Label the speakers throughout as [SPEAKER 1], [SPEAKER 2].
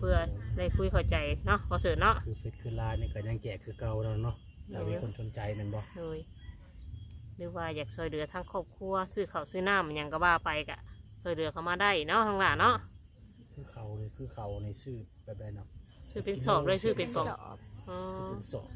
[SPEAKER 1] พื่อได้คุยเข้าใจเนาะบ่เสิร์ชเนาะ
[SPEAKER 2] คือเฟซคือไลน์นี่ก็ยังแจกคือเก่าแล้วเนาะแต่มีคนสนใจแม่นบ่
[SPEAKER 1] เลยหรือว่าอยากช่วยเหลือทั้งครอบครัวซื้อข้าวซื้อน้ำมันยังก็ว่าไปกะช่วยเหลือเขามาได้เนาะทางหลานเนาะ
[SPEAKER 2] คือเขาในซื้อแบบใดเนาะ
[SPEAKER 1] ซื้อเป็นสอบเลยซื้อเป็นกล่องอ๋อ
[SPEAKER 2] ซื้อเป็นสอบ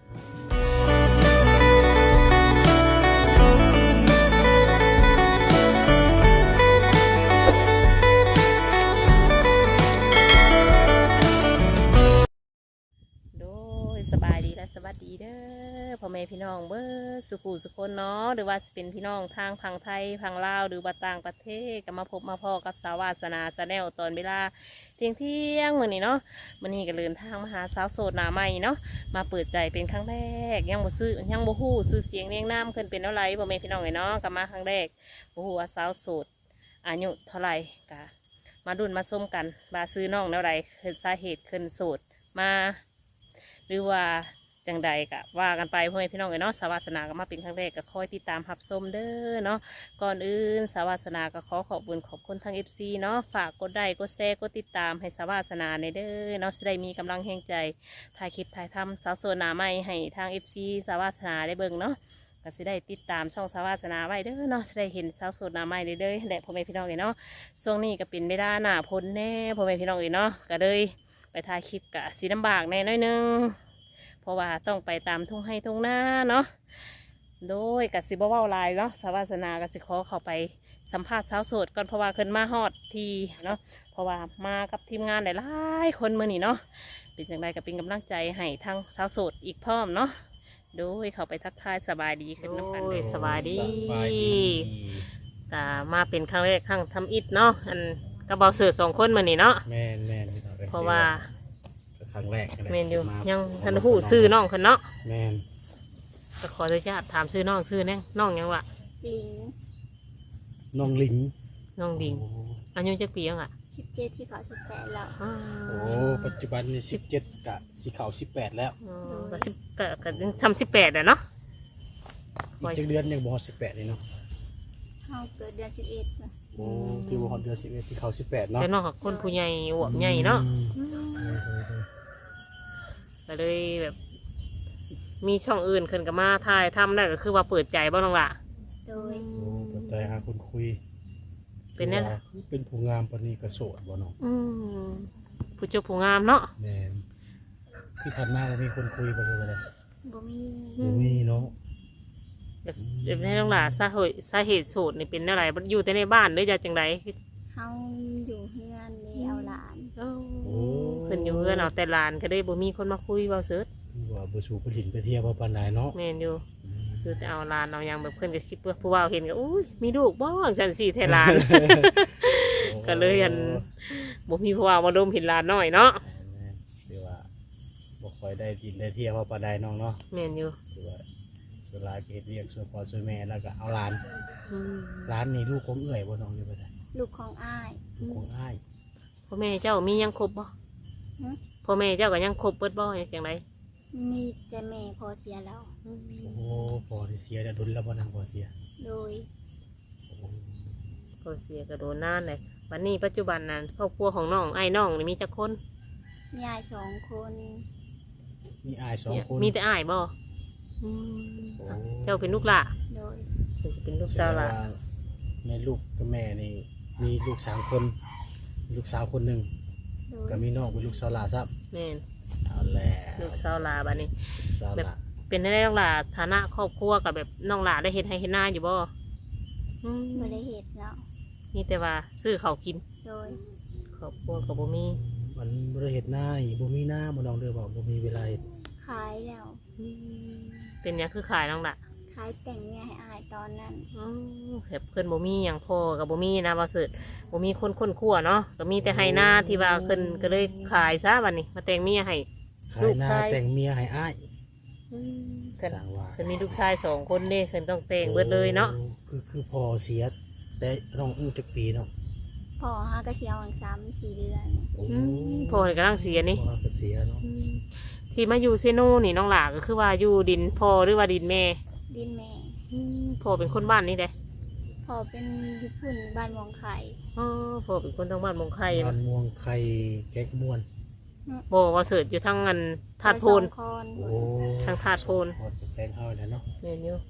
[SPEAKER 1] โดยสบายดีและสวัสดีเด้อพ่อแม่พี่น้องเบิดสุขุสุคนเนาะหรือว่าจะเป็นพี่น้องทางพังไทยพังลาวหรือว่าต่างประเทศก็มาพบมาพ่อกับสาวาสนาชาแนลตอนเวลาเที่ยงมื้อนี้เนาะมื้อนี้ก็เดินทางมาหาสาวโสดหน้าใหม่เนาะมาเปิดใจเป็นครั้งแรกยังบ่ฮู้ชื่อเสียงเรียงนามเพิ่นเป็นเท่าไหร่พ่อแม่พี่น้องเนาะก็มาครั้งแรกบ่ฮู้ว่าสาวโสดอายุเท่าไหร่ก็มาดุนมาส้มกันว่าซื้อน้องเท่าไหร่คือสาเหตุขึ้นโสดมาหรือว่าจังใดกะว่ากันไปพ่อแม่พี่น้องเนาะสาวาสนาก็มาเป็นครั้งแรกก็คอยติดตามรับชมเด้อเนาะก่อนอื่นสาวาสนาก็ขอขอบคุณทาง FC เนาะฝากกดไลค์กดแชร์กดติดตามให้สาวาสนาในเด้อเนาะจะได้มีกำลังแห่งใจถ่ายคลิปถ่ายทำสาวโซนาใหม่ให้ทาง FC สาวาสนาได้เบิ่งเนาะก็จะได้ติดตามช่องสาวาสนาไว้เด้อเนาะจะได้เห็นสาวโซนาใหม่เด้อและพ่อแม่พี่น้องเนาะช่วงนี้ก็เป็นเวลาหน้าพ้นแน่พ่อแม่พี่น้องเนาะก็เลยไปถ่ายคลิปกับสีลำบากแน่น้อยนึงเพราะว่าต้องไปตามทุ่งให้ทุ่งนาเนาะโดยกับสิบว่าวลายเนาะสาวาสนากับสิขอเข้าไปสัมภาษณ์สาวโสดก่อนเพราะว่าขึ้นมาฮอดทีเนาะเพราะว่ามากับทีมงานหลายๆคนมือนี่เนาะเป็นอย่างไรก็เป็นกำลังใจให้ทั้งสาวโสดอีกพร้อมเนาะโดยเข้าไปทักทายสบายดีขึ้นน้ำกันเลยสบายดีแต่มาเป็นครั้งแรกครั้งทำอิฐเนาะอันกระเบาเสือ2 คนมือนี่เนาะ
[SPEAKER 2] แม่น
[SPEAKER 1] เพราะว่า
[SPEAKER 2] ครั้งแรก
[SPEAKER 1] แม่นอยู่ยังทันหูซื้อน้องคนเนาะ
[SPEAKER 2] แม่น
[SPEAKER 1] ก็ขออนุญาตถามซื้อน้องซื้อแน่น้องยังวะ
[SPEAKER 3] ลิง
[SPEAKER 2] น้องลิง
[SPEAKER 1] อายุจักปียังอ่ะ
[SPEAKER 3] 17ที่เขา18แล้ว
[SPEAKER 2] โอ้ปัจจุบันนี่17กะสิเข้า18แล้ว
[SPEAKER 1] ก็18ก็ซ้ำ18แล้วเนาะ
[SPEAKER 2] อีกจักเดือนยังบ่ฮอด18เลยเนาะ
[SPEAKER 3] เฮาเกิดเดือน11นะ
[SPEAKER 2] โอ้ที่บ่ฮอดเดือน11ที่เข้า18เนาะ
[SPEAKER 1] แต่น้องกับคนผู้ใหญ่อวบใหญ่เนาะก็เลยแบบมีช่องอื่นขึ้นกับมาถ่ายทำได้ก็คือว่าเปิดใจบ้างน้องล่ะ
[SPEAKER 3] โดย
[SPEAKER 2] เปิดใจหาคนคุย
[SPEAKER 1] เป็นนี่แหละ
[SPEAKER 2] เป็นผู้งามปานนี้ก็โสดบ่น้อง
[SPEAKER 1] ผู้เจ้าผู้งามเนาะ
[SPEAKER 2] แม่นที่ผ่านมาบ่มีคนคุยบ่เลยบ่
[SPEAKER 3] มี
[SPEAKER 2] เนาะ
[SPEAKER 1] แบบให้น้องล่ะสาเหตุโสดนี่เป็นอะไรอยู่แต่ในบ้านหรือจะจังไร
[SPEAKER 3] เฮาอยู่เฮือนเลยเอาหลาน
[SPEAKER 1] โอ้เพิ่นอยู่เฮือนเอาแต่หลานก็ได้บ่มีคนมาคุยเว้าเสิร์ช
[SPEAKER 2] ว่าบ่สู่ผู้หญิงไปเที่ยวบ่ปานใดเนาะ
[SPEAKER 1] แม่นอยู่คือแต่เอาหลานเอายังแบบเพิ่นก็คิดว่าผู้ว่าเห็นก็อุ้ยมีลูกบ่จังซี่แท้หลานก็เลยอันบ่มีผู้ว่ามาดมเห็นหลานน้อยเนาะ
[SPEAKER 2] คือว่าบ่ค่อยได้กินได้เที่ยวบ่ปานใดน้องเนาะ
[SPEAKER 1] แม่นอยู่
[SPEAKER 2] คือว่าส่วนหลายเฮ็ดเรียกส่วนพ่อส่วนแม่แล้วก็เอาหลานนี่ลูกของเอื้อยบ่น้องอยู่บ่ได้
[SPEAKER 3] ลูกของอ้าย
[SPEAKER 2] ของอ้าย
[SPEAKER 1] พ่อแม่เจ้ามียังครบบ่พ่อแม่เจ้าก็ยังครบเบิดบ่จังได
[SPEAKER 3] มีแต่แม่พอเสียแล้ว
[SPEAKER 2] โอ้พอที่เสียแล้วดุลแล้วบ่นางพอเสีย
[SPEAKER 3] โดย
[SPEAKER 1] พอเสียก็โดนนานเลยวันนี้ปัจจุบันนั้นครอบครัวของน้องไอ้น้องนี่มีจักคน
[SPEAKER 3] มีอ้าย2 คน
[SPEAKER 2] มีอ้าย2 คน
[SPEAKER 1] มีแต่อ้ายบ่เจ้าเป็นลูกหล่ะ
[SPEAKER 3] โดย
[SPEAKER 1] เป็นลูกสาวหล่ะ
[SPEAKER 2] ในลูกกับแม่นี่มีลูก3 คนลูกสาวคนหนึ่งก็มีน้องเป็นลูกสาวหล่าซับ
[SPEAKER 1] แม่น
[SPEAKER 2] เอาแหละ
[SPEAKER 1] ลูกสาวหล่าบัดนี้แบบเป็นได้น้องหล่าฐานะครอบครัวกับแบบน้องหล่าได้เฮ็ดให้เฮ็ดหน้าอยู่บ่
[SPEAKER 3] บ่ได้เฮ็ดแล้ว
[SPEAKER 1] นี่แต่ว่าซื้อเขากิน
[SPEAKER 3] โดย
[SPEAKER 1] ครอบครัวกับบ่มี
[SPEAKER 2] มันบ่ได้เฮ็ดหน้านี่บ่มีหน้าบ่น้องเด้อบ่มีเวลา
[SPEAKER 3] ขายแล้ว
[SPEAKER 1] เป็นหยังคือขายน้องหล่า
[SPEAKER 3] ขายแต่งเมียให้อ้ายตอนนั้น
[SPEAKER 1] แบบเพิ่นบ่มีหยังพอกับบ่มีนะบ่สึบ่มีคนคั่วเนาะก็มีแต่ให้หน้าที่ว่าเพิ่นก็เลยขายซะบัดนี้มาแต่งเมียให้
[SPEAKER 2] ลูกชายแต่งเมียให้อ้าย
[SPEAKER 1] เพิ่นมีลูกชาย2 คนเด้เพิ่นต้องแต่งเบิดเลยเนาะ
[SPEAKER 2] คือพอเสียแต่น้องจักปีเนาะ
[SPEAKER 3] พ่อหาก็เสียวัง3-4 เดือน
[SPEAKER 1] พ่อนี่กำลังเสียนี่
[SPEAKER 2] พ่อก็เสียเนาะ
[SPEAKER 1] ที่มาอยู่เซโนนี่น้องหล่าก็คือว่าอยู่ดินพ่อหรือว่าดินแม่
[SPEAKER 3] ดินแม่
[SPEAKER 1] พ่อเป็นคนบ้านนี่เด้
[SPEAKER 3] พ่อเป็นญี่ปุ่นบ้านม่วงไข่
[SPEAKER 1] พ่อเป็นคนทางบ้านม่วงไข่
[SPEAKER 2] บ้านม่วงไข่แก๊กม่วน
[SPEAKER 1] บ่ว่าเสิร์ชอยู่ทั้งอันธาตุพูน
[SPEAKER 3] ไปสองคน
[SPEAKER 2] โอ้
[SPEAKER 1] ทางธาตุโพน
[SPEAKER 2] หมดจะแปลงเฮาแล้วเนาะ
[SPEAKER 1] เรียนอยู่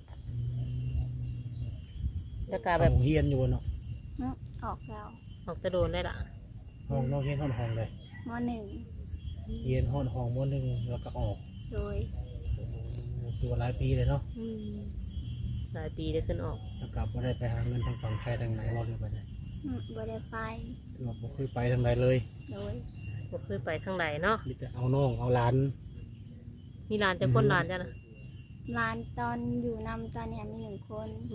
[SPEAKER 1] แล้วก็แบบ
[SPEAKER 2] ห้องเฮียนอยู่บ่เนาะ
[SPEAKER 3] ออกแล้ว
[SPEAKER 1] ออกตะโดนได้ล่ะ
[SPEAKER 2] ห้องน้องเฮียนห้องเลย
[SPEAKER 3] มหนึ่ง
[SPEAKER 2] เฮียนห้องมหนึ่งแล้วก็ออก
[SPEAKER 3] โดย
[SPEAKER 2] ตัวหลายปีเลยเนาะ
[SPEAKER 1] หลายปีได้ขึ้นออก
[SPEAKER 2] แล้วกลับมาได้ไปหาเงินทางฝั่งไทยทางไหนบ่เลยไปได้
[SPEAKER 3] บ่ได้ไป
[SPEAKER 2] คือว่าบ่เคยไปทางใดเลย
[SPEAKER 3] โดย
[SPEAKER 1] บ่เคยไปทางใดเนาะ
[SPEAKER 2] มีแต่เอาน้องเอาหลาน
[SPEAKER 1] มีร้านจะคนร้านจ้ะนะ
[SPEAKER 3] ร้านตอนอยู่นำตอนเนี้ยมี1 คน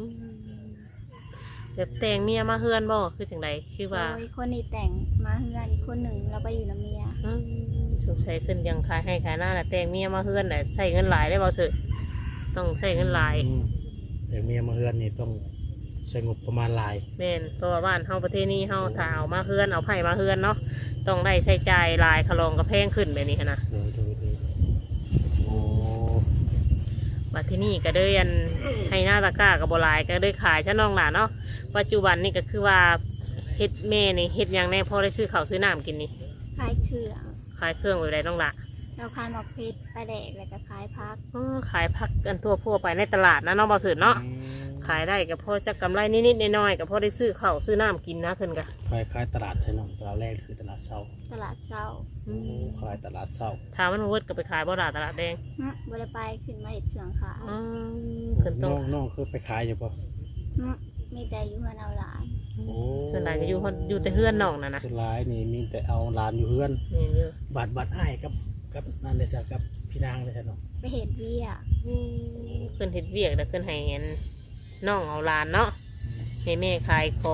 [SPEAKER 1] แบบแต่งเมียมาเฮือนบ่คือจังไดคือ
[SPEAKER 3] โด
[SPEAKER 1] ว่าย
[SPEAKER 3] คนนี้แต่งมาเฮือนอีกคนหนึ่งเราไปอยู่น้ำเมีย
[SPEAKER 1] สงสัยขึ้นยังขายให้ขายหน้าแหละแต่งเมียมาเฮือนแหละใช้เงินหลายได้บ่เสิร์ชต้องใช้เงินหลาย
[SPEAKER 2] แต่เมียมาเฮือนนี่ต้องใช้งบประมาณหลาย
[SPEAKER 1] แม่นเพราะว่าบ้านเฮาประเทศนี้เฮาถ้าเอามาเฮือนเอาไผ่มาเฮือนเนาะต้องได้ใช้จ่ายหลายคลองก็แพงขึ้นแบบนี้หั้นนะ
[SPEAKER 2] โดยโอ้
[SPEAKER 1] บัดที่นี่ก็เด้อันให้หน้าตะกร้ากับโบหลายก็ได้ขายชะน้องหลานเนาะปัจจุบันนี่ก็คือว่าเฮ็ดแม่นี่เฮ็ดหยังแน่พอได้ซื้อข้าวซื้อน้ำกินนี่
[SPEAKER 3] ขายเครื่อง
[SPEAKER 1] ขายเครื่องไว้ได้น้องหละ
[SPEAKER 3] เราขายหมอกเพชรปลาแดกแล้วก็ขายพัก
[SPEAKER 1] ขายผักกันทั่วไปในตลาดนะน้องบ่าวสือเนาะขายได้ก็พอจะกำไรนิดๆน้อยๆก็พอได้ซื้อข้าวซื้อน้ำกินนะขึ้นก็
[SPEAKER 2] ขายตลาดใช่เนาะตลาดแรกคือตลาดเช้า
[SPEAKER 3] ตลาดเช้า
[SPEAKER 2] ขายตลาดเช้า
[SPEAKER 1] ถามมันเวิร์ดก็ไปขายบ่ดาตลาดแดง
[SPEAKER 3] บ่ได้ไปขึ้นมาเห็ดเครื่องขาย
[SPEAKER 1] ขึ้นต้
[SPEAKER 2] น้
[SPEAKER 1] อ
[SPEAKER 2] อง งน้องคือไปขายอยู่ปะ
[SPEAKER 3] มีแต่อยู่เฮือนเอาหลาน
[SPEAKER 2] โอ้
[SPEAKER 1] ส่วนใหญ่ก็อยู่แต่เฮือนน้องนะนะ
[SPEAKER 2] สุดท้ายนี่มีแต่เอาหลานอยู่เฮือน
[SPEAKER 1] นี่อยู่
[SPEAKER 2] บัตรอ้ายกับนั่นเลยจ้ะกับพี่นางเลยจ้ะเนาะ
[SPEAKER 3] ไปเห็ดเวียก
[SPEAKER 1] ขึ้นเฮ็ดเวียกแล้วขึ้นให้เห็นน้องเอาหลานเนาะให้แม่ขายของ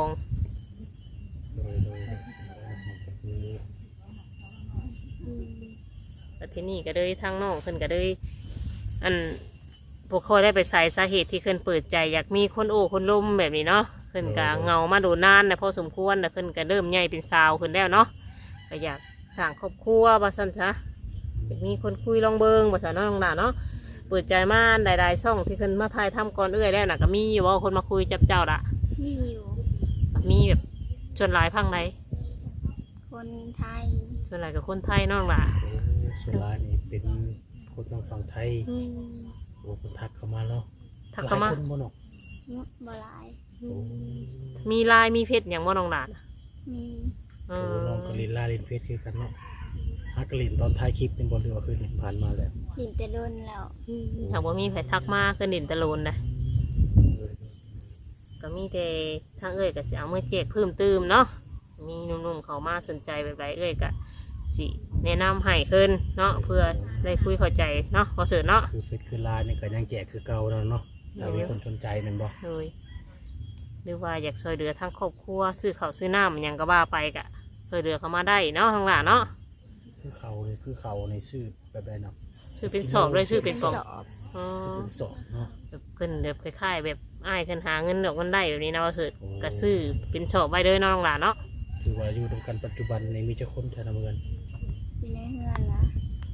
[SPEAKER 2] โดย
[SPEAKER 1] แล้วที่นี่ก็เลยทางน้องขึ้นก็เลยอันพวกเขาได้ไปใส่สาเหตุที่ขึ้นเปิดใจอยากมีคนโอ้คนล้มแบบนี้เนาะขึ้นก็เงามาโดนนานนะพอสมควรนะขึ้นก็เริ่มใหญ่เป็นสาวขึ้นแล้วเนาะก็อยากสร้างครอบครัวบ่ซั่นซะอยากมีคนคุยลองเบิงบ่ซั่นเนาะน้องหลานเนาะเปิดใจมาหลายๆช่องที่ขึ้นมาถ่ายทำก่อนเอื้อยแล้วน่ะก็มีอยู่ว่าคนมาคุยจับเจ้าละ
[SPEAKER 3] มีอยู่
[SPEAKER 1] มีแบบชวนหลายพังไหน
[SPEAKER 3] คนไทย
[SPEAKER 1] ชวนหลายกับคนไทยเน้องล่ะ
[SPEAKER 2] สุดท้ายนี่เป็นคนทางฝั่งไทยโอ้คนทักเข้ามาเนาะ
[SPEAKER 1] ทักเข้ามา
[SPEAKER 2] หลยคนบ่เนาะ
[SPEAKER 3] บ่หลาย
[SPEAKER 1] มีลายมีเพชรอย่างว่าน้องหลานอะ
[SPEAKER 3] มี
[SPEAKER 1] เอ
[SPEAKER 2] โอ้
[SPEAKER 1] อ
[SPEAKER 2] น้องกลินลาลินเฟสคือกันเนาะฮักกลินตอนท้ายคลิปเป็นบอลเรือคือผ่านมาแล้ว
[SPEAKER 3] ดินแต่โดนแล้ว
[SPEAKER 1] ถามว่ามีใครทักมาขึ้นดินตะโลนนะก็มีแต่ทางเอ้ยก็สิเอาเมื่อเจ็ดเพิ่มเติมเนาะมีหนุ่มๆเขามาสนใจแบบไรเอ้ยก็สิแนะนำให้ขึ้นเนาะเพื่อได้คุยเข้าใจเนาะพอเสือเนาะ
[SPEAKER 2] คือเฟสคือลายนี่ก็ยังแจกคือเก่าแล้วเนาะถ้ามีคนสนใจแมันบ่
[SPEAKER 1] เลยหรือว่าอยากช่วยเหลือทั้งครอบครัวซื้อข้าวซื้อน้ำมันหยังก็ว่าไปกะช่วยเหลือเขามาได้เนาะทางหลานเนาะ
[SPEAKER 2] คือเขาเลยคือเขาในซื้อแบบใดเนาะ
[SPEAKER 1] ซื้อเป็นสอบเลยซื้อเป็นกล่อง
[SPEAKER 3] สอบ
[SPEAKER 1] อ๋อ
[SPEAKER 2] จะเป็นสองเนาะ
[SPEAKER 1] แบบขึ้นแบบคล้ายๆแบบอ้ายขึ้นหาเงินดอกเงินได้แบบนี้นะว่าสุดก็ซื้อเป็นสอบไว้เลยเนาะทางหลานเนาะ
[SPEAKER 2] คือว่าอยู่ตรงกันปัจจุบันในมีเจ้าคนชาเมือง
[SPEAKER 3] อยู่ในเฮือนนะ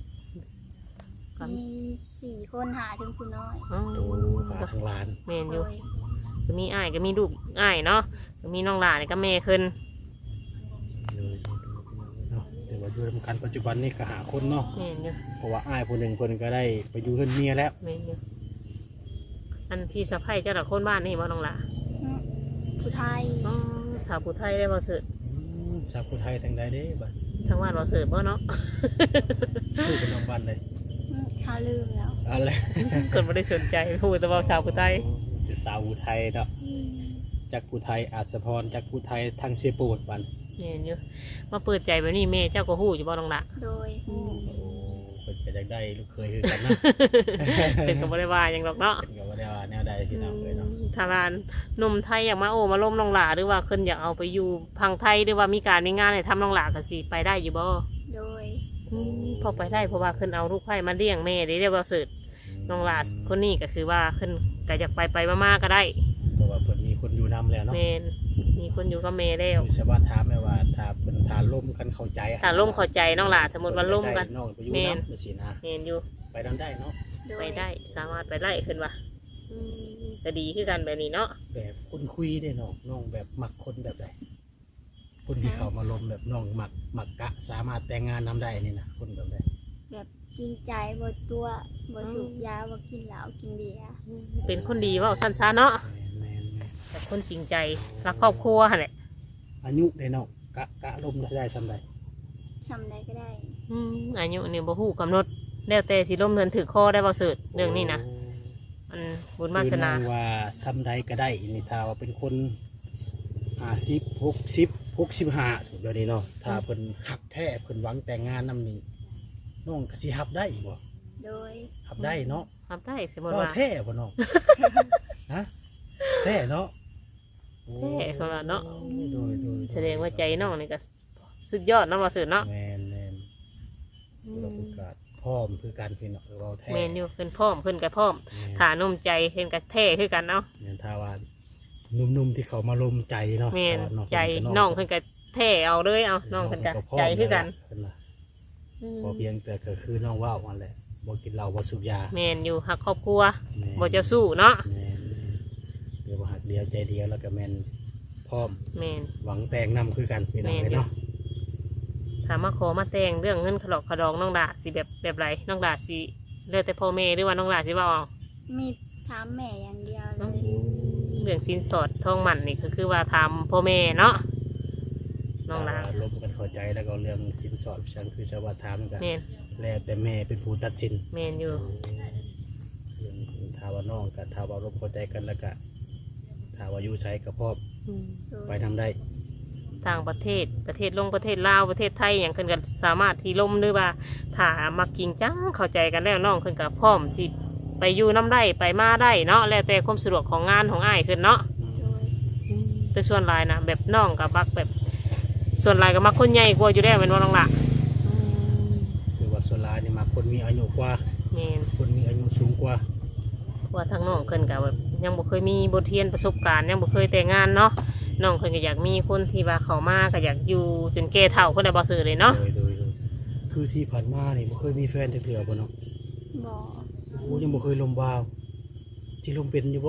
[SPEAKER 3] มี4 คนหาถึงผู้น้อย
[SPEAKER 1] อ๋อ
[SPEAKER 2] โตหาทางลาน
[SPEAKER 1] เมนอ
[SPEAKER 3] โด
[SPEAKER 1] ยู่
[SPEAKER 3] ย
[SPEAKER 1] ก็มีอ้ายก็มีลูกอ้ายเนาะก็มีน้องหลานก็แม่ขึ้น
[SPEAKER 2] เลยเนาะแต่ว่าอยู่ตรงกันปัจจุบันนี่ก็หาคนเนาะ
[SPEAKER 1] เมนอยู่
[SPEAKER 2] เพราะว่าอ้ายคนหนึ่งคนก็ได้ไปอยู่เฮือนเมียแล้ว
[SPEAKER 1] เมนอยู่อันพี่สะใภ้เจ้าหน้าคนบ้านนี่บ่น้องหลาน
[SPEAKER 3] ผู้ไทย
[SPEAKER 1] อ๋อสาวผู้ไทยได้บ่สุด
[SPEAKER 2] ชาวพุทธไทยทางใดเด้บัด
[SPEAKER 1] ทางบ้านบ่สุดบ่เนาะ
[SPEAKER 2] พูดเป็นน้องบ้านเลย
[SPEAKER 3] เขาลืมแล้ว
[SPEAKER 2] อะไร
[SPEAKER 1] คนไม่ได้สนใจพูดแต่ว่าสาวผู้ใต้
[SPEAKER 2] จะสาวอุทัยเนาะจากอุทัยอาสพรจากอุทัยทางเสียปูดบัน
[SPEAKER 1] เห็นอยู่มาเปิดใจแบบนี้แม่เจ้าก็หู้อยู่บ่น้องละ
[SPEAKER 3] โดย
[SPEAKER 2] โอ้เป็นไปได้ลูกเคยคือกันนะ
[SPEAKER 1] เป็นก็บ่ได้ว่าหยังหรอกเนาะ
[SPEAKER 2] เป็นกับว่าได้ว่าแนวใดพี่น้องเลยเนาะ
[SPEAKER 1] ทางการหนุ่มไทยอยากมาโอ้มาล้มน้องหลาหรือว่าเพิ่นอยากเอาไปอยู่พังไทยหรือว่ามีการมีงานให้ทำน้องหลาก็สิไปได้อยู่บ่
[SPEAKER 3] โดย
[SPEAKER 1] พอไปได้เพราะว่าเพิ่นเอาลูกไผ่มาเลี้ยงแม่ได้เรียกว่าสืดน้องหลาคนนี้ก็คือว่าเพิ่นก็อยากไปมาๆก็ได้
[SPEAKER 2] เพราะว่าเพิ่นมีคนอยู่นำแล้วเนาะ
[SPEAKER 1] แม่นมีคนอยู่กับแม่แล้ว
[SPEAKER 2] คือสวัสดิ์ถามแม่ว่าถ้าเพิ่นทานล่มกันเข้าใจ
[SPEAKER 1] ถ้าล่มเข้าใจน้องหลาสมมติว่าล่มกัน
[SPEAKER 2] น้องไปอยู่
[SPEAKER 1] แม่น
[SPEAKER 2] น้ำไปสินะ
[SPEAKER 1] แม่นอยู่
[SPEAKER 2] ไปนำได้เนาะ
[SPEAKER 3] โดย
[SPEAKER 1] ไปได้สามารถไปไล่ขึ้นว่ะก็ดีคือกันแบบนี้เนาะ
[SPEAKER 2] แบบคนคุยได้เนาะน้องแบบมักคนแบบใดคนที่เขามาลมแบบน้องหมักกะสามารถแต่งงานนำได้นี่นะคนแบบนี้
[SPEAKER 3] แบบจริงใจบ่ตัวบ่สูบยาบ่กินเหล้ากินเบียร์
[SPEAKER 1] เป็นคนดีเว่าสั้นๆเนาะ
[SPEAKER 2] แม่น
[SPEAKER 1] แต่คนจริงใจรักครอบครัวหั่นแหละ
[SPEAKER 2] อายุได้น้องกะลมได้ซ้ำใด
[SPEAKER 3] ทำได้ก็ได้
[SPEAKER 1] อายุนี่บ่ฮู้กำหนดแล้วแต่สิล้มเดินถือคอได้บ่เสิร์ชเรื่องนี้นะมันบุญวาสนา
[SPEAKER 2] คือว่าซ้ำใดก็ได้นี่ถ้าว่าเป็นคน50 60 65สมมุติเดี๋ยวนี้เนาะถ้าเพิ่นฮักแท้เพิ่นหวังแต่งงานนำนี่น้องก็สิฮับได้บ่
[SPEAKER 3] โดย
[SPEAKER 2] ฮับได้เนาะ
[SPEAKER 1] ทำได้สมมติ
[SPEAKER 2] บ่
[SPEAKER 1] ว่า
[SPEAKER 2] แท้บ่น้อง ฮะแท้เนาะ
[SPEAKER 1] แท้เขาว่าเนาะ
[SPEAKER 2] โดย
[SPEAKER 1] แสดงว่าใจน้องนี่ก็สุดยอดเนาะบ่เสิร์ชเนาะ
[SPEAKER 2] แม่นเราประกาศพร้อมคือการพี่น้องเราแท้
[SPEAKER 1] แม่นอยู่เพิ่นพร้อมเพิ่นก็พร้อมฐานนมใจเพิ่นก็แท้คือกันเนาะ
[SPEAKER 2] แม่นถ้าว่าหนุ่มๆที่เขามาลมใจเนาะ
[SPEAKER 1] แม่น
[SPEAKER 2] ชาว
[SPEAKER 1] ใจน้องเพิ่นก็แท้เอาเลยเอาน้องเพิ่นก็ใจคือกัน
[SPEAKER 2] เพิ่นว่าพอเพียงแต่ก็คือน้องว่าวนั่นแหละบ่กินเหล้าบ่สูบยา
[SPEAKER 1] แม่นอยู่หักครอบครัว
[SPEAKER 2] แม่น
[SPEAKER 1] บ่เจ้าสู้เนาะ
[SPEAKER 2] แม่นเดี๋ยวบ่หักเดียวใจเดียวแล้วก็แม่นพร้อม
[SPEAKER 1] แม่น
[SPEAKER 2] หวังแต่งนำคือกันพี่น้อง
[SPEAKER 1] แม่น
[SPEAKER 2] เนาะ
[SPEAKER 1] ถามมาขอมาแต่งเรื่องเงินขลอกขะดองน้องดาสิแบบไรน้องดาสิเลือกแต่พ่อแม่หรือว่าน้องดาสิว่าเอา
[SPEAKER 3] มีถามแม่อย่างเดียวเลย
[SPEAKER 1] เรื่องสินสอดทองหมันนี่ก็คือว่าทำพ่อแม่เนาะน้องดา
[SPEAKER 2] ลมกันเข้าใจแล้วก็เรื่องสินสอดฉันคือชาวบ้านถามกัน
[SPEAKER 1] แม่น
[SPEAKER 2] แล้วแต่แม่เป็นผู้ตัดสิน
[SPEAKER 1] แม่นอยู่
[SPEAKER 2] ถ้าว่าน้องกับถ้าว่าลมเข้าใจกันแล้วก็ถ้าว่าอยู่ใช้กับพ่อ
[SPEAKER 1] อืม
[SPEAKER 3] โดย
[SPEAKER 2] ไปทำได้
[SPEAKER 1] ต่างประเทศลงประเทศลาวประเทศไทยอย่างเพิ่นก็สามารถที่ล่มหรือว่าถ้ามักจริงจังเข้าใจกันแล้วน้องเพิ่นก็พร้อมที่ไปอยู่น้ำได้ไปมาได้เนาะแล้วแต่ความสะดวกของงานของอ้ายขึ้นเนาะ
[SPEAKER 3] โดย
[SPEAKER 1] แต่ส่วนหลายนะแบบน้องกับมักแบบส่วนหลายก็มักคนใหญ่กว่าอยู่แล้วเป็นว่าน้องละ
[SPEAKER 2] คือว่าส่วนหลายนี่มาคนมีอายุกว่า
[SPEAKER 1] แม่น
[SPEAKER 2] คนมีอายุสูงกว่า
[SPEAKER 1] ว่าทางน้องเพิ่นก็แบบยังบ่เคยมีบทเรียนประสบการณ์ยังบ่เคยแต่งงานเนาะน้องเพิ่นก็อยากมีคนที่ว่าเขามาก็อยากอยู่จนแก่เฒ่าเพิ่นได้บ่ซื้อเลยเนาะ
[SPEAKER 2] โดยคือที่ผ่านมานี่บ่เคยมีแฟนจักเทื่อบ่เนาะ
[SPEAKER 3] บ่
[SPEAKER 2] โอ้ยังบ่เคยลมบาวสิลมเป็นอยู่บ่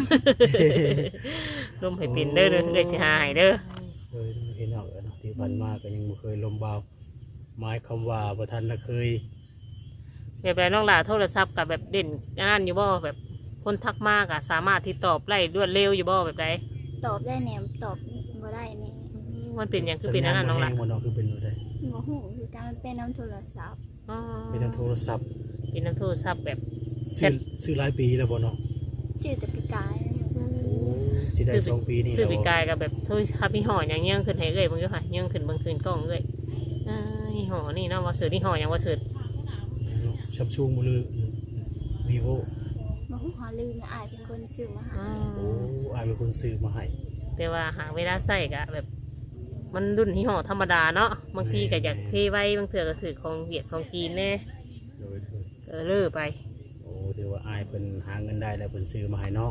[SPEAKER 1] ร่มให้เป็นเด้อเด้อเอ้ยสิหาให้เด้อ
[SPEAKER 2] เลยเห็นเอาเนาะที่ผ่านมาก็ยังบ่เคยลมบาวหมายคำว่าบ่ทันน่ะเคย
[SPEAKER 1] แบบไรน้องหลาโทรศัพท์กับแบบเด่นงานอยู่บ่แบบคนทักมากอะสามารถที่ตอบไล่รวดเร็วอยู่บ่แบบไร
[SPEAKER 3] ตอบได้แหนมตอบบ่ได้แหนม
[SPEAKER 1] มันเป็นอย่างคือเป็นอันนั้นน้องหลา
[SPEAKER 2] สัญญาณบ่แห้งบ่เนาะคือเป็นอยู่ได้
[SPEAKER 3] บ่ฮู้คือการมันเป็นน้ำโทรศัพท์
[SPEAKER 1] อ๋อ
[SPEAKER 2] เป็นทางโทรศัพท์
[SPEAKER 1] เป็นน้ำโทรศัพท์แบบ
[SPEAKER 2] ซื้อหลายปีแล้วบ่เนาะ
[SPEAKER 3] ชื่อแต่ปีกาย
[SPEAKER 2] สิได้2 ปีนี่
[SPEAKER 1] ซื้อ
[SPEAKER 2] แล้ว
[SPEAKER 1] ปี
[SPEAKER 2] บ่
[SPEAKER 1] กายกับแบบโทรศัพท์พี่ห่ออย่างเงี้ยขึ้นให้เอ้ยมึงก็ค่ะเงี้ยขึ้นเบางคืนกล้องเอ้ยนี่ห่อนี่เนาะว่าซื้อนี่ห่ออย่างว่าซื้อ
[SPEAKER 2] ซัมซุงบ่หรือ vivo
[SPEAKER 3] บ่ฮู้หาลืมนะอายเป็นคนซื้อมาให้
[SPEAKER 1] อ๋อ
[SPEAKER 2] โอ้อายเป็นคนซื้อมาให้
[SPEAKER 1] แต่ว่าหาเวลาใส่กะแบบ มันรุ่นที่ห่อธรรมดาเนาะบางทีก็อยากเทไว้บางเถื่อก็ถือของเวียดของจีนแน่
[SPEAKER 2] โดย
[SPEAKER 1] เลื่อไป
[SPEAKER 2] โอ้ถือว่าอายเพิ่นหาเงินได้แล้วเพิ่นซื้อมาให้น้อง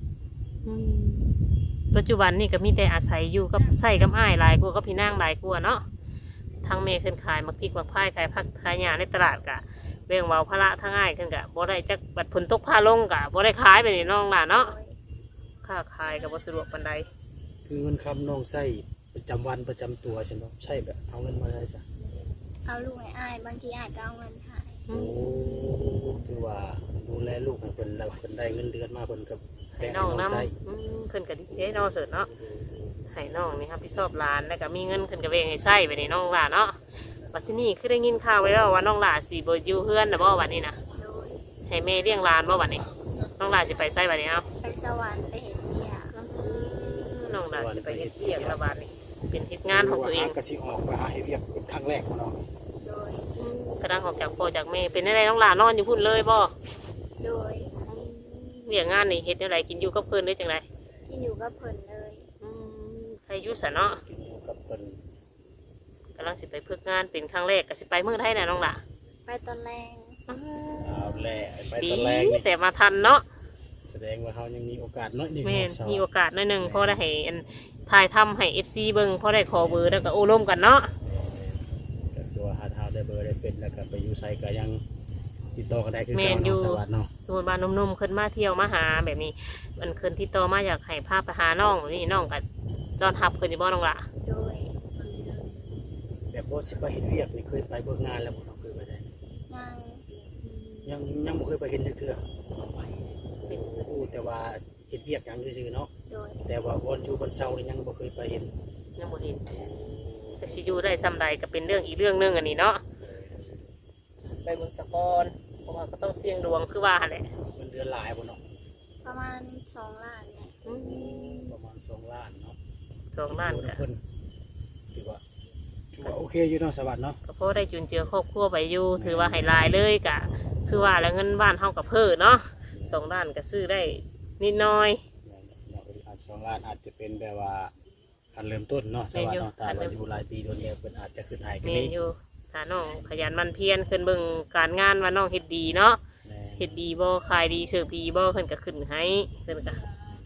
[SPEAKER 1] ปัจจุบันนี่ก็มีแต่อาศัยอยู่กับใส่กับอ้ายหลายกว่ากับพี่นางหลายกว่าเนาะทางเมย์ขึ้นขายมักพริกมักพายขายผักขายหญ้าในตลาดกะเรื่องเบาภาระทางอ้ายขึ้นกะบ่ได้จักบัดผลตกพาลงกะบ่ได้ขายไปนี่น้องล่ะเนาะ
[SPEAKER 3] โดย
[SPEAKER 1] ค่าขายก็บ่สะดวกปานใด
[SPEAKER 2] คือเงินคำน้องใช้ประจำวันประจำตัวใช่ไหมใช่แบบเอาเงินมาได้จ้ะ
[SPEAKER 3] เอาลูกให้อายบางทีอายก็เอาเงินให้
[SPEAKER 2] โอ้ถือว่าดูแลลูกให้เพิ่นแล้วเพิ่นได้เงินเดือนมาเพิ่นก็
[SPEAKER 1] ให้
[SPEAKER 2] แบ่ง
[SPEAKER 1] น้อง
[SPEAKER 2] ให้น้องใช้
[SPEAKER 1] นำขึ้นก็ดีเด้น้องเสิร์ชเนาะให้น้องนี่ครับพี่ชอบร้านแล้วก็มีเงินขึ้นก็เวงให้ใช้ไปนี่น้องล่ะเนาะบัดที่นี่คือได้ยินข่าวไว้แล้วว่าน้องล่ะสิบ่อยู่เฮือนน่ะบ่บัดนี้นะ
[SPEAKER 3] โดย
[SPEAKER 1] ให้แม่เลี้ยงหลานบ่บัดนี้น้องล่ะสิไปไสบัดนี้เนาะ
[SPEAKER 3] ไปสวรรค์ไปเห็นเดีย
[SPEAKER 1] น้องล่ะสิไปเฮ็ดเวียกละบาดนี้เป็นเฮ็ดงานของตัวเอง
[SPEAKER 2] ก็สิออกก็หาให้เวียกเป็นครั้งแรกของน้อง
[SPEAKER 3] โดย
[SPEAKER 1] กระดังออกจากพ่อจากแม่เป็นอะไรน้องล่ะนอนอยู่พุ่นเลยบ่
[SPEAKER 3] โดย
[SPEAKER 1] เวียกงานนี่เฮ็ดจังไดกินอยู่กับเพิ่นได้จังได
[SPEAKER 3] ที่อยู่กับเพิ่นเลย
[SPEAKER 1] ใครอยู่ซะเนาะ
[SPEAKER 2] กินอยู่กับเพิ่น
[SPEAKER 1] กำลังสิไปฝึกงานเป็นครั้งแรกก็สิไปเมืองไทยน่ะน้องล่ะ
[SPEAKER 3] ไปตอนแรง
[SPEAKER 2] เอาแลไป
[SPEAKER 1] ดี
[SPEAKER 2] ตอนแรกนี่
[SPEAKER 1] แต่มาทันเนาะ
[SPEAKER 2] แสดงว่าเฮายังมีโอกาสน้อยหนึง
[SPEAKER 1] แม่น
[SPEAKER 2] เนาะสาว
[SPEAKER 1] มีโอกาสหน่อยหนึงพอได้ให้อันถ่ายทำให้ FC เบิ่งพอได้ขอเบอร์แล้วก็โอ้ร่วมกันเนาะ
[SPEAKER 2] ก็คือว่าหาเฮาได้เบอร์ได้เฟซแล้วก็ไปอยู่ไสก็ยังติดต่อกันได้คือ
[SPEAKER 1] แม่
[SPEAKER 2] เก่าน
[SPEAKER 1] อยู่
[SPEAKER 2] เนาะสวัสดีเนาะ
[SPEAKER 1] สมมุติว่าหนุ่มๆขึ้นมาเที่ยวมาหาแบบนี้มันขึ้นที่ต่อมาอยากให้พาไปหาน้องแบบนี้น้องก็ต้อนรับขึ้นอยู่บ่น้องล่ะ
[SPEAKER 3] โดย
[SPEAKER 2] แต่บ่สิไปเฮ็ดเวียกนี่เคยไปเบิ่งงานแล้วบ่น้องเคยไปได้
[SPEAKER 3] ยัง
[SPEAKER 2] ยังบ่เคยไปเห็นจักเทื่อ
[SPEAKER 1] เป็น
[SPEAKER 2] โอ้แต่ว่าเฮ็ดเวียกหยังซื่อๆเนาะ
[SPEAKER 3] โดย
[SPEAKER 2] แต่ว่าวันอยู่วันเสาร์นี่ยังบ่เคยไปเห็น
[SPEAKER 1] ยังบ่เห็นจะสิอยู่ได้ซ้ำใดก็เป็นเรื่องอีกเรื่องหนึงอันนี้เนาะไปเบิ่งสะกอนเพราะว่าก็ต้องเสี่ยงดวงคือว่าหั่นแหละ
[SPEAKER 2] เงินเดือนหลายบ่เนาะ
[SPEAKER 3] ประมาณ2 ล้านเนี่ย
[SPEAKER 2] ประมาณ2ล้านเนาะ
[SPEAKER 1] 2 ล้าน
[SPEAKER 2] โอ้
[SPEAKER 1] ก็
[SPEAKER 2] เพิ่นถือว่าโอเคอยู่เนาะสวัสดิ์เนาะ
[SPEAKER 1] ก็พอได้จุนเจือครอบครัวไปอยู่ถือว่าให้หลายเลยก็คือว่าแล้วเงินบ้านเฮาก็เพิ่นเนาะ2 ล้านก็ซื้อได้นิดหน้อย
[SPEAKER 2] อาจ2ล้านอาจจะเป็นแบบว่าคันเริ่มต้นเนาะสวัสดิ์เนาะถ้าว่าอยู่หลายปีโดนแล้วเพิ่นอาจจะขึ้นให้ก็
[SPEAKER 1] แม่
[SPEAKER 2] มี
[SPEAKER 1] นอยู่ถ้าน้องขยันหมันเพียรขึ้นเบิ่งการงานว่าน้องเฮ็ดดีเนาะ
[SPEAKER 2] แม่
[SPEAKER 1] เฮ็ดดีบ่ขายดีเสิร์ฟดีบ่เพิ่นก็ขึ้นให้เพิ่นก็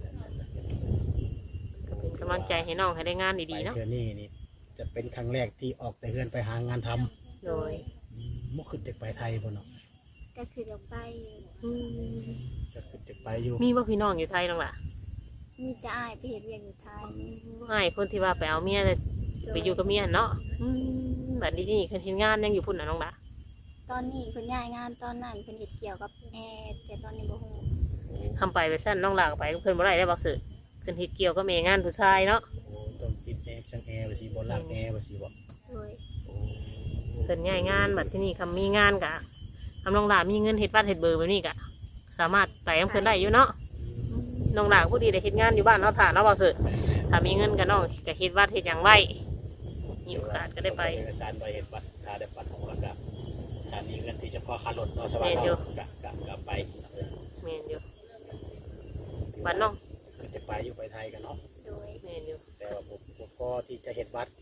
[SPEAKER 1] เป็นกำลังใจให้น้องให้ได้งาน
[SPEAKER 2] ไป
[SPEAKER 1] ดีๆเนาะ
[SPEAKER 2] เทื่อนี้นี่จะเป็นครั้งแรกที่ออกแต่เฮือนไปหางานทำ
[SPEAKER 1] โดย
[SPEAKER 2] บ่ขึ้นจากไปไทยบ่เนาะ
[SPEAKER 3] ก็คือจะไปอยู่
[SPEAKER 2] จะขึ้นจากไปอยู่
[SPEAKER 1] มีบ่พี่น้องอยู่ไทยน้องล่ะ
[SPEAKER 3] มีจะอ้ายไปเฮ็ดเวียกอยู่ไทย
[SPEAKER 1] อ้ายคนที่ว่าไปเอาเมียไปอยู่กับเมียเนาะบัดนี้นี่เพิ่นเฮ็ดงานยังอยู่พุ่นน่ะน้องล่ะ
[SPEAKER 3] ตอนนี้เพิ่นย้ายงานตอนนั้นเพิ่นเฮ็ดเกี่ยวกับแอร์แต่ตอนนี้บ่ฮู้
[SPEAKER 1] คำไปไปซั่นน้องล่ะก็ไปกับเพิ่นบ่ได้ได้บ่ซื้อเพิ่นเฮ็ดเกี่ยวกับแม่งานผู้ชายเนาะ
[SPEAKER 2] โอ้ต้องติดแอร์ช่างแอร์ว่าสิบ่ล้างแอร์ว่าสิบ่
[SPEAKER 3] โดย
[SPEAKER 1] เพิ่นย้ายงานบัดที่นี่คำมีงานกะคำน้องล่ะมีเงินเฮ็ดบ้านเฮ็ดเบอร์แบบนี้กะสามารถไปกับเพิ่นได้อยู่เนาะน้องล่ะผู้ดีได้เฮ็ดงานอยู่บ้านเนาะถ้าเนาะบ่ซื้อถ้ามีเงินก็น้องก็เฮ็ดวัดเฮ็ดหยังไว้มีโอกาสก็ได้ไป
[SPEAKER 2] เอกสารใบเฮ็ดบัตรถ้าได้บัตรของแล้วก็ถ้ามีเงินที่จะพอค่ารถเนาะสบาย
[SPEAKER 1] แม่นอยู่
[SPEAKER 2] เนาะก็ไป
[SPEAKER 1] แม่นอยู่บ้านน้อง
[SPEAKER 2] คือจะไปอยู่ไปไทยกันเนาะ
[SPEAKER 3] โดย
[SPEAKER 1] แม่นอยู่
[SPEAKER 2] แต่ว่าผมพอที่จะเฮ็ดบัตร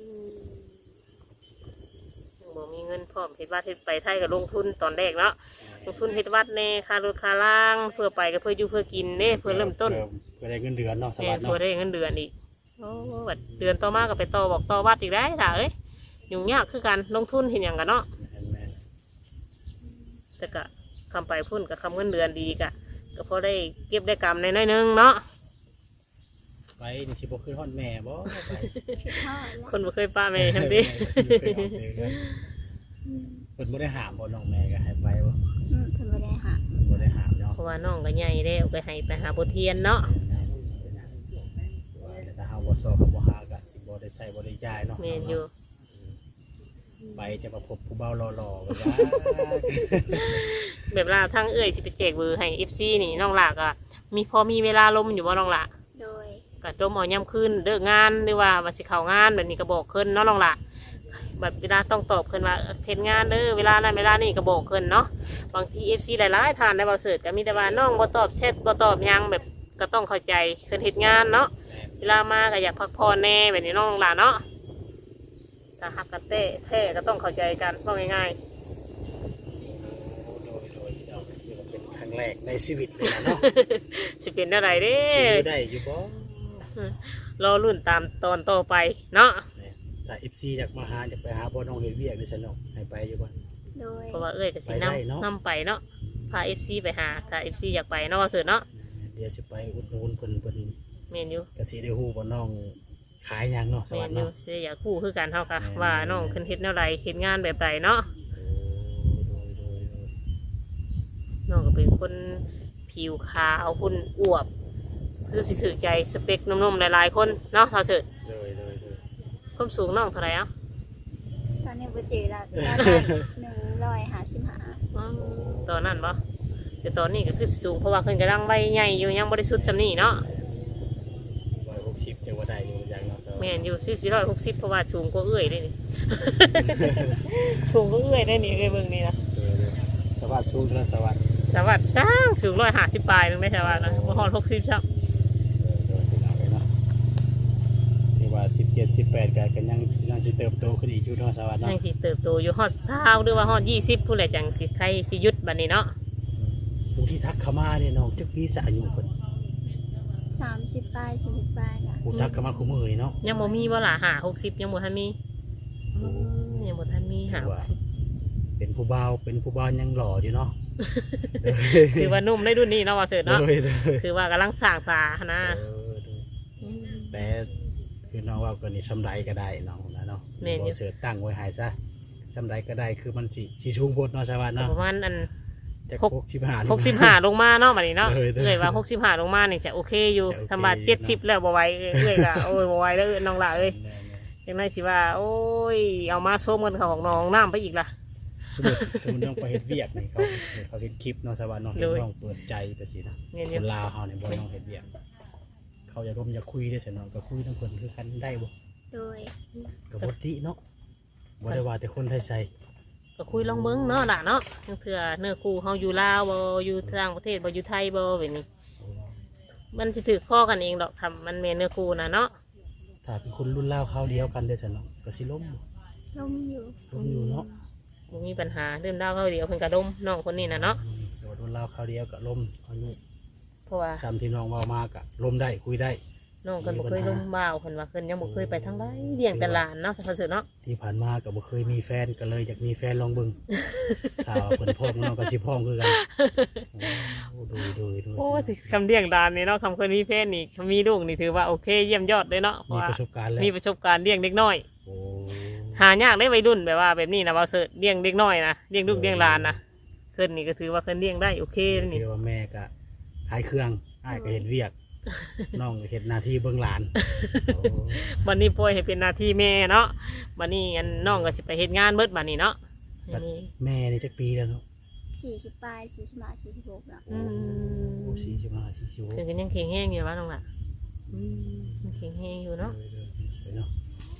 [SPEAKER 1] บ่มีเงินพร้อมเฮ็ดวัดเฮ็ดไปไทยก็ลงทุนตอนแรกเนาะลงทุนเฮ็ดวัดแน่ค่ารถค่าล่างเพื่อไปก็เพื่ออยู่เพื่อกินเด้เพื่อเริ่มต้น
[SPEAKER 2] เพื่อได้เงินเดือนเนาะส
[SPEAKER 1] แม่
[SPEAKER 2] บาย
[SPEAKER 1] น
[SPEAKER 2] เนาะ
[SPEAKER 1] เพื่อได้เงินเดือนอีกโอ้บัดเดือนต่อมาก็ไปต่อบอกต่อวัดอีกได้ล่ะเอ้ยยุ่งยากคือกันลงทุนเห็นอย่างกันเนาะ
[SPEAKER 2] แม่น
[SPEAKER 1] แต่ก็คำไปพุ่นกับคำเงินเดือนดีกะก็พอได้เก็บได้กำในน้อยๆนึงเนาะ
[SPEAKER 2] ไปนี่สิบ่ขึ้นฮอดแม่บ่ไป
[SPEAKER 3] คิดฮอดแล้ว
[SPEAKER 1] คนบ่เคยป้าแม่ทั้งนี้
[SPEAKER 2] เพิ่นบ่ได้ห้ามบ่น้องแม่ก็ให้ไปบ่
[SPEAKER 3] เพิ่นบ่ได้หา
[SPEAKER 2] บ่ได้ห้ามเนาะ
[SPEAKER 1] เพราะว่าน้องก็ใหญ่แล้วไปให้ไปหาบทเรียนเนาะ
[SPEAKER 2] แต่ถ้าเฮาบ่สอบก็บ่หาก็สิบ่ได้ใช้บ่ได้จ่ายเนาะ
[SPEAKER 1] แม่นอยู่
[SPEAKER 2] ไปจะมาพบผู้เบาหล่อๆก็ได้
[SPEAKER 1] แบบลาทั้งเอ้ยสิไปแจกเบอร์ให้ FC นี่น้องหลากอะมีพอมีเวลาลมอยู่บ่น้องหลา
[SPEAKER 3] โดย
[SPEAKER 1] ก็ดมเอาย่ำคืนเลิกงานหรือว่าวันสิเข้างานแบบนี้ก็บอกขึ้นเนาะน้องหลาแบบเวลาต้องตอบขึ้นว่าเฮ็ดงานเด้อเวลานั้นเวลานี้ก็บอกขึ้นเนาะบางที FC หลายๆท่านได้บ่เสิร์ชก็มีแต่ว่าน้องบ่ตอบแชทบ่ตอบหยังแบบก็ต้องเข้าใจขึ้นเฮ็ดงานเนาะเวลามาก็อยากพักผ่อนแน่แบบนี้น้องหลาเนาะถ้าหักกันแท้ก็ต้องเข้าใจกันว่าง่าย
[SPEAKER 2] โดยเราเป็นครั้งแรกในชีวิตเลยนะเนาะ
[SPEAKER 1] ๆ สิเป็นอะไรเด้
[SPEAKER 2] สิอยู่ได้อยู่บ่
[SPEAKER 1] รอรุ่นตามตอนต่อไปเนาะ
[SPEAKER 2] ถ้า FC อยากมาหาอยากไปหาบ่น้องเฮ็ดเวียกนี่ซั่นเนาะให้ไปอยู่บ่
[SPEAKER 3] โดย
[SPEAKER 1] เพราะว่าเอ้ยก็สิ
[SPEAKER 2] ไปได้เนาะ
[SPEAKER 1] นำไปเนาะพา FC ไปหาถ้า FC อยากไปเนาะว่าเสิร์ชเนาะ
[SPEAKER 2] เดี๋ยวสิไปอุดหนุนเพิ่น
[SPEAKER 1] เมนอยู่
[SPEAKER 2] ก็สิได้ฮู้ว่าน้องขายหยังเนาะส
[SPEAKER 1] เม
[SPEAKER 2] วัส
[SPEAKER 1] น
[SPEAKER 2] ดี
[SPEAKER 1] อยู่
[SPEAKER 2] เนาะ
[SPEAKER 1] สิอยากคู่คือกันเท่าค่ะ
[SPEAKER 2] แม่น
[SPEAKER 1] ว่าน้องขึ้นเฮ็ดแนวใดเฮ็ดงานแบบใดเนาะ
[SPEAKER 2] โดย
[SPEAKER 1] น้องก็เป็นคนผิวขาวหุ่นอวบคือสิถือใจสเปคหนุ่มๆหลายๆคนเนาะเท่าเสิร์ช
[SPEAKER 2] โดย
[SPEAKER 1] ความสูงน้องเท่าไหร่อ่ะ
[SPEAKER 3] ตอนนี้บ่เจอแล้วตอนนั้น155
[SPEAKER 1] อ๋อตอนนั้นปะแต่ตอนนี้ก็คือสูงเพราะว่าขึ้นกระดังใบใหญ่อยู่ยังบริสุทธิ์จำนี่เนาะ
[SPEAKER 2] 160จังว่าได้อยู่อย่างเนาะ
[SPEAKER 1] แม่นอยู่460เพราะว่าสูงกว่าเอื้อยได้นี่ สูงกว่าเอื้อยได้นี่เอ้ยเบิ่งนี่นะ
[SPEAKER 2] สวัสดีสูงแล้วสวัสดี
[SPEAKER 1] สวัสดิ์สร้างสูง150ปลายนึงได้สวัสดิ์นะบ่ฮอด60ซับ
[SPEAKER 2] ที่ว่า17 18ก็ยังสิเติบโตขึ้นอีกอยู่เนาะสวัสดี
[SPEAKER 1] ยั
[SPEAKER 2] เนาะ
[SPEAKER 1] งสิเติบโตอยู่ฮอด20หรือว่าฮอด20ผู้ใดจังสิใครสิหยุดบัดนี้เนาะ
[SPEAKER 2] ผู้ที่ทักเข้ามาเนี่ยน้องจักปีสะอายุเพิ่น
[SPEAKER 3] 30ปลาย40ปลายล่ะ
[SPEAKER 2] ผู้ทักเข้ามาคู่มือนี่เนาะ
[SPEAKER 1] ยังบ่มีบ่ล่ะ60ยังบ่ทันมียังบ่ทันมี60
[SPEAKER 2] เป็นผู้บ่าวยังหล่ออยู่เนาะ
[SPEAKER 1] คือว่านุ่มในรุ่นนี้เนาะว่าเสิร์ชเนาะ
[SPEAKER 2] โดย
[SPEAKER 1] คือว่ากำลังสร้างสานะ
[SPEAKER 2] แต่คือน้องว่าก็นี่สำไรก็ได้น้องนะเนาะ
[SPEAKER 1] แม่นอยู่
[SPEAKER 2] บ่เสิร์ชตั้งไว้ให้ซะจำใดก็ได้คือมันสิชูงโพดเนาะชาวบ้านเนาะ
[SPEAKER 1] ประมาณอัน
[SPEAKER 2] จาก
[SPEAKER 1] หก
[SPEAKER 2] 65
[SPEAKER 1] 65ลงมาเนาะบัดนี้เนาะ
[SPEAKER 2] เออ
[SPEAKER 1] เอ้ยว่า65ลงมานี่จะโอเคอยู่
[SPEAKER 2] จะโอเค
[SPEAKER 1] สำหรับ70แล้วบ่ไหวเอ้ยก็โอ้ยบ่ไหวแล้วน้องหล่ะเอ้ยจังได๋สิว่าโอ้ยเอามาโซมกันเข้าของน้องน้ำไปอีกล่ะ
[SPEAKER 2] สมมุติน้องไปเฮ็ดเวียกนี่เขาเห็นคลิปเนาะชาวบ้านเนาะเห็น
[SPEAKER 1] โดย
[SPEAKER 2] น้องเปิดใจไปสินะ
[SPEAKER 1] แม่นอ
[SPEAKER 2] ค
[SPEAKER 1] ยู่
[SPEAKER 2] นลาวเฮาเนี่ยบ่น้องเฮ็ดเวียกเขาอยากร่วมอยากคุยได้ซั่นเนาะก็คุยทั้งเพิ่นคือกันได้บ่
[SPEAKER 3] โดย
[SPEAKER 2] ก็บ่ติเนาะบ่ได้ว่าแต่คนไทยใส่
[SPEAKER 1] ก็คุยลองเบิ่งเนาะล่ะเนาะจังเทื่อเนื้อคู่เฮาอยู่ลาวบ่อยู่ต่างประเทศบ่อยู่ไทยบ่แบบนี้ มันสิถือข้อกันเองดอกทำมันแม่นเนื้อคู่น่ะเนาะ
[SPEAKER 2] ถ้าเป็นคนรุ่นราวคราวเดียวกันได้ซั่นเนาะก็สิล้ม
[SPEAKER 3] ล่มอยู่
[SPEAKER 2] ล้มอยู่เนาะ
[SPEAKER 1] บ่มีปัญหาเริ่มดาวเขาเดียวเพิ่นก็ดมน้องคนนี้น่ะเนาะ
[SPEAKER 2] โดดรุ่นราวคราวเดียวก็ล้มอายุ
[SPEAKER 1] เพราะว่า
[SPEAKER 2] ซ้ำที่น้องเว้ามาก็ล้มได้คุยได้
[SPEAKER 1] น้องเพิ่นบ่เคยลมบ่าวเพิ่นว่าเพิ่นยังบ่เคยไปทางใดเลี้ยงแต่หลานเนาะสักๆเนาะ
[SPEAKER 2] ที่ผ่านมาก็บ่เคยมีแฟนก็เลยอยากมีแฟนลองเบิ่ง ถ้าว่าเพิ่นพร้อมน้องก็สิพร้อมคือกันโอ้ดู
[SPEAKER 1] โอ้ยคำเลี้ยงหลานนี่เนาะคำเคยมีแฟนนี่คำมีลูกนี่ถือว่าโอเคเยี่ยมยอดเลยเนาะเพราะ
[SPEAKER 2] มี
[SPEAKER 1] ว่า
[SPEAKER 2] ประสบการณ์แล้ว
[SPEAKER 1] มีประสบการณ์เลี้ยงเด็กน้อย
[SPEAKER 2] โอ้
[SPEAKER 1] หายากได้วัยรุ่นแบบว่าแบบนี้นะว่าเสิร์ชเลี้ยงเด็กน้อยนะเลี้ยงลูกเลี้ยงหลานนะเพิ่นนี่ก็ถือว่าเพิ่นเลี้ยงได้โอเคนี่
[SPEAKER 2] เรียกว่าแม่ก็ขายเครื่องอ้ายก็เฮ็ดเวียก น้องก็เฮ็ดหน้าที่เบิ่งหลานโอ้
[SPEAKER 1] วันนี้ปล่อยให้เป็นหน้าที่แม่เนาะวันนี้อันน้องก็สิไปเฮ็ดงานเบิดบัดนี้เนาะอันนี้
[SPEAKER 2] แม่นี่จักปีแล้วเนาะ
[SPEAKER 3] 40ปลาย45 46แล้ว
[SPEAKER 1] อืม
[SPEAKER 2] โอ้45 46
[SPEAKER 1] เพิ่นก็ยังแข็งแรงอยู่ว่าน้องล่ะยังแข็งแรงอยู่เนาะ
[SPEAKER 2] เนาะ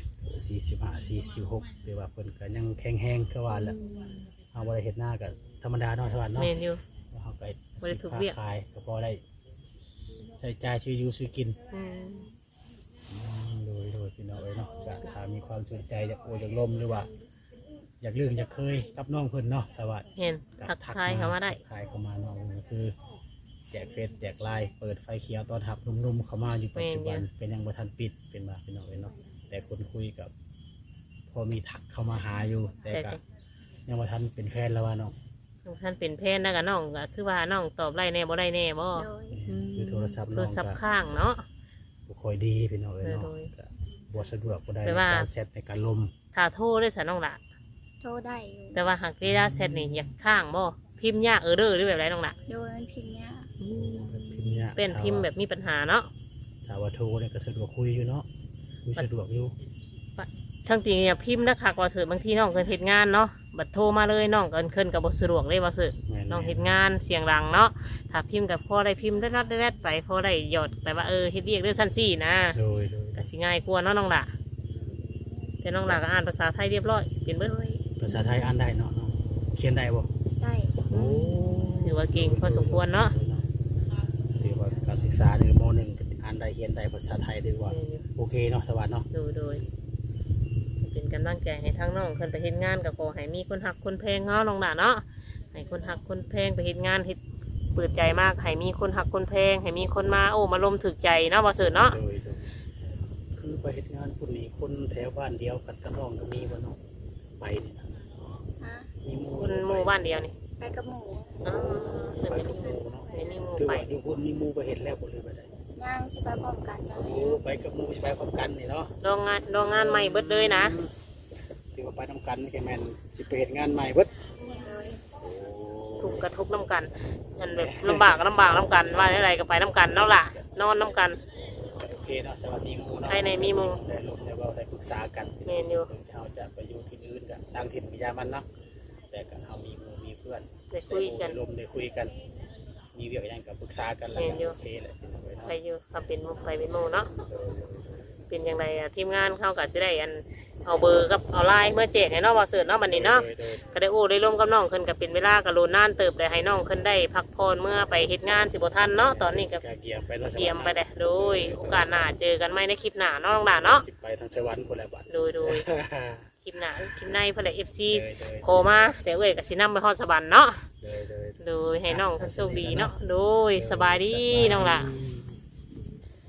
[SPEAKER 2] 45 46แต่ว่าเพิ่นก็ยังแข็งแรงคือว่าแหละเอาบ่ได้เฮ็ดหน้าก็ธรรมดาเนาะชาวบ้านเนาะ
[SPEAKER 1] แม่นอยู่
[SPEAKER 2] เฮาก็
[SPEAKER 1] บ่ได้ถูกเวียก
[SPEAKER 2] ขายก็พอได้ใช้จ่ายชื่ออยู่ซื้อกิน
[SPEAKER 1] อืม
[SPEAKER 2] โดยพี่น้องเอ้ยเนาะก็ถ้ามีความสนใจอยากโอยากลมหรือว่า อยากเรื่องอยากเคยกับน้องเพิ่นเนาะสวัสดี
[SPEAKER 1] เห็นทักทายเข้ามาได้
[SPEAKER 2] ทักทายเข้ามาน้องก็คือ แจกเฟซแจกไลน์เปิดไฟเขียวตอนหับหนุ่มๆเข้ามาอยู่ปัจจุบันเป็นยังบ่ทันปิดเป็นมาพี่น้องเอ้ยเนาะแต่คนคุยกับ พอมีทักเข้ามาหาอยู่ แต่ก็ยังบ่ทันเป็นแฟนแล้วว่าน้อง
[SPEAKER 1] ท่านเป็นแพนนะกับน้องก็คือว่าน้องตอบไรแน่บ่ได้แน่บ่
[SPEAKER 3] โดย
[SPEAKER 2] คือโทรศัพท์
[SPEAKER 1] โท
[SPEAKER 2] น้
[SPEAKER 1] ร
[SPEAKER 2] อง
[SPEAKER 1] ศัพท์
[SPEAKER 2] ก็
[SPEAKER 1] ข้างเนาะ
[SPEAKER 2] บ่ค่อยดีพี่น้องเอ้ยเนาะ
[SPEAKER 1] โดย
[SPEAKER 2] ก็บ่สะดวกบ่ได้
[SPEAKER 1] แปล
[SPEAKER 2] ใน
[SPEAKER 1] ว่า
[SPEAKER 2] การเซตในการลม
[SPEAKER 1] ถ้าโทรได้สะน้องละ
[SPEAKER 3] โทรได้อยู่
[SPEAKER 1] แต่ว่าหากเวลาเสร็จนี่อยากข้างบ่พิมพ์ยากเด้อหรือแบบไรน้องละ
[SPEAKER 3] โดยมันพิมพ์ยาก
[SPEAKER 2] พิมพ์ยาก
[SPEAKER 1] เป็นพิมพ์แบบมีปัญหาเนาะ
[SPEAKER 2] ถ้าว่าโทรเนี่ยก็สะดวกคุยอยู่เนาะคุยสะดวกอยู่
[SPEAKER 1] ทั้งจริงเนี่ยพิมพ์นะคักว่าสื่อบางทีน้องเพิ่นเฮ็ดงานเนาะบัดโทรมาเลยน้องก็เคินกับบ่สะดวกเลยว่าสื่อ
[SPEAKER 2] แม่
[SPEAKER 1] น้องเฮ็ดงานเสียงดังเนาะถ้าพิมพ์กับพอได้พิมพ์ได้นัดได้แวดไปพอได้หยอดไปว่าเฮ็ดเรียกเรื่องสั้นซี่นะ
[SPEAKER 2] โดย
[SPEAKER 1] ก็สิง่ายกว่าเนาะน้องละแต่น้องละก็อ่านภาษาไทยเรียบร้อยเป็นเบิด
[SPEAKER 3] โดย
[SPEAKER 2] ภาษาไทยอ่านได้เนาะน้องเขียนได้บ่
[SPEAKER 3] ได้
[SPEAKER 2] โอ้
[SPEAKER 1] ถือว่าเก่งพอสมควรเนาะ
[SPEAKER 2] ถือว่าการศึกษาในม .1 ก็อ่านได้เขียนได้ภาษาไทยถือว่าโอเคเนาะสวัสดีเนาะ
[SPEAKER 1] โดยเป็นกำลังใจให้ทั้งน้องคนไปเฮ็ดงานกับขอให้มีคนหักคนแพงเนาะน้องละเนาะให้คนหักคนแพงไปเฮ็ดงานเฮ็ดเปิดใจมากให้มีคนหักคนแพงให้มีคนมาโอ้มาลมถึกใจเนาะบ่เสิร์ชเนาะ
[SPEAKER 2] โดยคือไปเฮ็ดงานคนนี้คนแถวบ้านเดียวกันกับน้องก็มีบ่เนาะไปนี่นะ
[SPEAKER 3] ฮะ
[SPEAKER 2] มีหมู่
[SPEAKER 1] คนหมู่บ้านเดียวนี่
[SPEAKER 3] ไปกับหมู
[SPEAKER 1] อ๋อเพิ่น
[SPEAKER 2] ไป
[SPEAKER 1] จะ
[SPEAKER 2] กั
[SPEAKER 1] มี
[SPEAKER 2] บ
[SPEAKER 1] ห
[SPEAKER 2] ห
[SPEAKER 1] มู่
[SPEAKER 2] มู่เนาะ
[SPEAKER 1] ให้มีหมู่
[SPEAKER 2] ถือ
[SPEAKER 1] ไป
[SPEAKER 2] ว่าอยู่คนมีหมู่ไปเห็นแล้วบ่เลยบ่ได้
[SPEAKER 3] ย่างสิไปพร้อมกันนั่นแห
[SPEAKER 2] โอ้
[SPEAKER 3] ละ
[SPEAKER 2] ไปกับหมู่สิไปพร้อมกันนี่เนาะ
[SPEAKER 1] โรงงานใหม่เบิดเลยนะ
[SPEAKER 2] ถือว่าไปนำกันนี่แกแม่นสิไปเฮ็ดงานใหม่เบิด
[SPEAKER 3] โดย
[SPEAKER 1] ถูกกระทบน้ำกันอันแบบลำบากก็ลำบากน้ำกันว่าอะไรก็ไปน้ำกันเนาะล่ะนอนน้ำกัน
[SPEAKER 2] โอเคเนาะสวัสดีหมู่เนาะ
[SPEAKER 1] ภายในมีหมู่
[SPEAKER 2] ได้ลงได้เว้าได้ปรึกษากัน
[SPEAKER 1] แม่นอยู่
[SPEAKER 2] ถึงเฮาจะไปอยู่ที่อื่นก็ต่างถิ่นก็อย่ามันเนาะแต่ก็เฮามีหมู่มีเพื่อน
[SPEAKER 1] ได้คุยกัน
[SPEAKER 2] ได้ลมได้คุยกัน มีเรื่องหยังก็ปรึกษากันแล้ว
[SPEAKER 1] แม่นอยู่
[SPEAKER 2] โอเคแหละพี่น้องเอ้ยเนาะ
[SPEAKER 1] ไปอยู่ทำเป็นหมู่ไปเป็นหมู่เนาะเป็นอย่างไรอะทีมงานเข้ากับสิได้อันเอาเบอร์กับเอาไลน์เมื่อแจกให้น้องบอเสิร์ตเนาะบัดนี้เนาะ
[SPEAKER 2] โดย
[SPEAKER 1] ก็ได้โอ้ได้ร่วมกับน้องเพิ่นก็เป็นเวลาก็โลนนานเติบได้ให้น้องเพิ่นได้พักผ่อนเมื่อไปเฮ็ดงานสิบ่ทันเนาะตอนนี้ก็
[SPEAKER 2] เกียมไปเนาะ
[SPEAKER 1] เตรียมไปได้โดยโอกาสหน้าเจอกันใหม่ในคลิปหน้าเนาะน้องดาเนาะ
[SPEAKER 2] สิไปทางสวรรค์พุ่นแหละบัด
[SPEAKER 1] โดยคลิปหน้าคลิปในเพิ่นได้ FC
[SPEAKER 2] โดย
[SPEAKER 1] โทรมาแต่เอ้ยก็สินำไปฮอดสวรรค์เนาะ
[SPEAKER 2] โดย
[SPEAKER 1] โดยให้น้องเพิ่นโชคดีเนาะโดยสบายดีน้องล่ะ
[SPEAKER 2] โ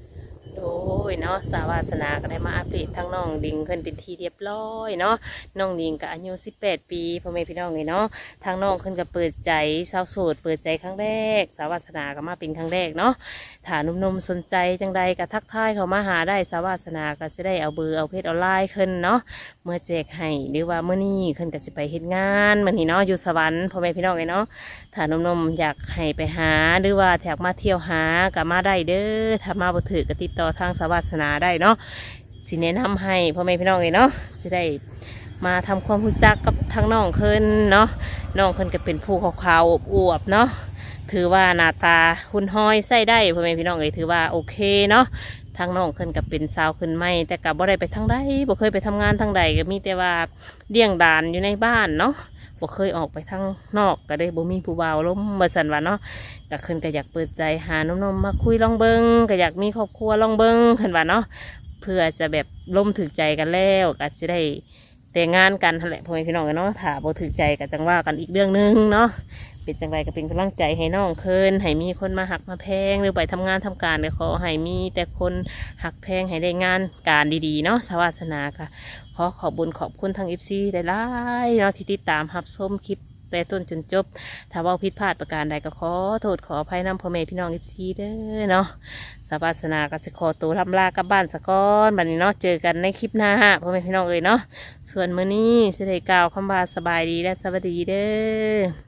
[SPEAKER 1] โดยเนาะสาวาสนาก็ได้มาอัปเดตทั้งน้องดิงเพิ่นเป็นที่เรียบร้อยเนาะน้องดิงก็อายุ18 ปีพ่อแม่พี่น้องเลยเนาะทางน้องเพิ่นก็เปิดใจสาวโสดเปิดใจครั้งแรกสาวาสนาก็มาเป็นครั้งแรกเนาะถ้าหนุ่มๆสนใจจังใดก็ทักทายเข้ามาหาได้สาวาสนาก็จะได้เอาเบอร์เอาเพจออนไลน์ขึ้นเนาะเมื่อแจกให้หรือว่าเมื่อนี้ขึ้นก็จะไปเฮ็ดงานมื้อนี้เนาะอยู่สวรรค์พ่อแม่พี่น้องเลยเนาะถ้าหนุ่มๆอยากให้ไปหาหรือว่าอยากมาเที่ยวหาก็มาได้เด้อถ้ามาบ่ถือก็ติดต่อทางสาวาสนาได้เนาะสิแนะนำให้พ่อแม่พี่น้องเลยเนาะจะได้มาทำความรู้จักกับทางน้องขึ้นเนาะน้องขึ้นก็เป็นผู้ขาวๆอวบๆเนาะถือว่าหน้าตาหุ่นห้อยใส่ได้พ่อแม่พี่น้องเลยถือว่าโอเคเนาะทางน้องขึ้นก็เป็นสาวขึ้นไม่แต่กับบ่ได้ไปทางใดบ่เคยไปทำงานทางใดก็มีแต่ว่าเลี้ยงดานอยู่ในบ้านเนาะบ่เคยออกไปทางนอกก็ได้บ่มีผู้บ่าวล้มมาสั่นว่าเนาะก็ขึ้นก็อยากเปิดใจหาหนุ่มๆมาคุยลองเบิงก็อยากมีครอบครัวลองเบิงขึ้นว่าเนาะเพื่อจะแบบล้มถึกใจกันแล้วก็จะได้แต่งงานกันนั่นแหละพ่อแม่พี่น้องกันเนาะถ้าบ่ถึกใจก็จังว่ากันอีกเรื่องหนึงเนาะเป็นจังไรก็เป็นกำลังใจให้น้องเคินให้มีคนมาหักมาแพงหรือไปทำงานทำการก็ขอให้มีแต่คนหักแพงให้ได้งานการดีๆเนาะสวาสนาค่ะ ขอขอบบุญขอบคุณทาง FC ได้หลายๆเนาะที่ติดตามรับชมคลิปแต่ต้นจนจบถ้าเว่าผิดพลาดประการใดก็ขอโทษขออภัยนำพ่อแม่พี่น้อง FC เด้อเนาะสวาสนาก็จะขอตัวลำลากลับบ้านสะก้อนบัดนี้เนาะเจอกันในคลิปหน้าพ่อแม่พี่น้องเนาะส่วนมื้อนี้สิได้กล่าวคำว่าสบายดีและสวัสดีเด้อ